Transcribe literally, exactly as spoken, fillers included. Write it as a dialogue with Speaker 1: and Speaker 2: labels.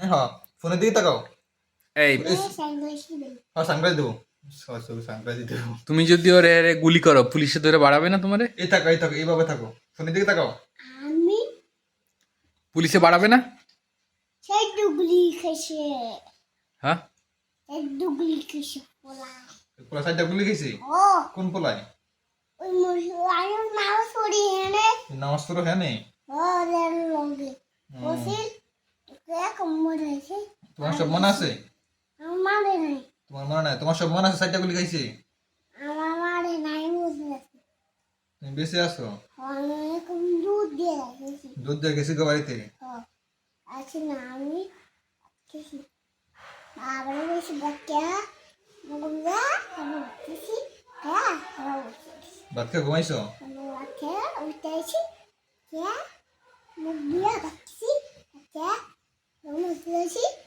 Speaker 1: হ্যাঁ ফোনের দিকে তাকাও।
Speaker 2: এই
Speaker 1: হ্যাঁ সানগ্লাস দেবো, সানগ্লাস দেবো।
Speaker 2: তুমি যদি ওরে এরে গুলি করো পুলিশে ধরে বাড়াবে না তোমারে?
Speaker 1: এই থাকো এই থাকো এইভাবে থাকো, ফোনের দিকে তাকাও।
Speaker 3: আমি
Speaker 2: পুলিশে বাড়াবে না?
Speaker 3: সেই ডুগলি খেয়েছে,
Speaker 2: হ্যাঁ
Speaker 3: এক ডুগলি খেয়েছে পোলা।
Speaker 1: পোলা সাইডটা গুলি গেছি।
Speaker 3: ও
Speaker 1: কোন পোলায়?
Speaker 3: ওই মুসলমান নাও সরি এনে
Speaker 1: নামাজ পড়ো হ্যাঁ নেই?
Speaker 3: ও রেল লগে ওসিল কে কম্বল আছে
Speaker 1: তোমার সব মনে আছে?
Speaker 3: আমার নাই,
Speaker 1: তোমার মনে নাই? তোমার সব মনে আছে সাইডটা গুলি খাইছি?
Speaker 3: আমার মারে নাই বুঝলে
Speaker 1: তুমি বেঁচে আছো?
Speaker 3: অনেক দুধ দিয়ে রাখেছি।
Speaker 1: দুধ দিয়ে গেছি গো বাড়িতে।
Speaker 3: আছে না আমি খেয়েছি আবার বেশি বাচ্চা মুগুলা আমি খেয়েছি। হ্যাঁ আমার
Speaker 1: ভাত খেয়ে ঘুমাইছো?
Speaker 3: বাচ্চা উঠেছি হ্যাঁ মুখ দিয়ে বাচ্চি বাচ্চা মুখ দিয়েছি